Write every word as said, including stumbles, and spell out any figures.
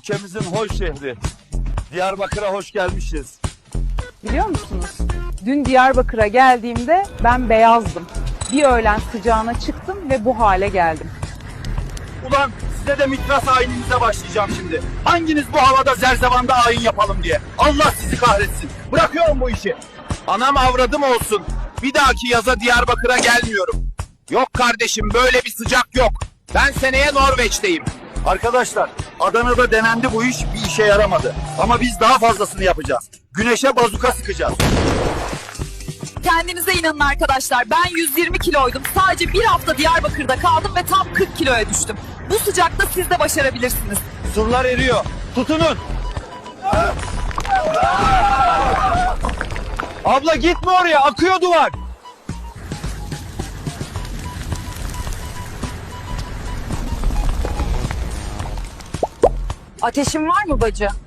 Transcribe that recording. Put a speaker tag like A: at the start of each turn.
A: Ülkemizin hoş şehri. Diyarbakır'a hoş gelmişiz.
B: Biliyor musunuz? Dün Diyarbakır'a geldiğimde ben beyazdım. Bir öğlen sıcağına çıktım ve bu hale geldim.
A: Ulan size de mitras ayininize başlayacağım şimdi. Hanginiz bu havada zerzevanda ayin yapalım diye. Allah sizi kahretsin. Bırakıyorum bu işi. Anam avradım olsun. Bir dahaki yaza Diyarbakır'a gelmiyorum. Yok kardeşim, böyle bir sıcak yok. Ben seneye Norveç'teyim. Arkadaşlar, Adana'da denendi bu iş, bir işe yaramadı. Ama biz daha fazlasını yapacağız. Güneşe bazuka sıkacağız.
C: Kendinize inanın arkadaşlar. Ben yüz yirmi kiloydum. Sadece bir hafta Diyarbakır'da kaldım ve tam kırk kiloya düştüm. Bu sıcakta siz de başarabilirsiniz.
A: Surlar eriyor. Tutunun. Abla gitme oraya, akıyor duvar.
C: Ateşin var mı bacı?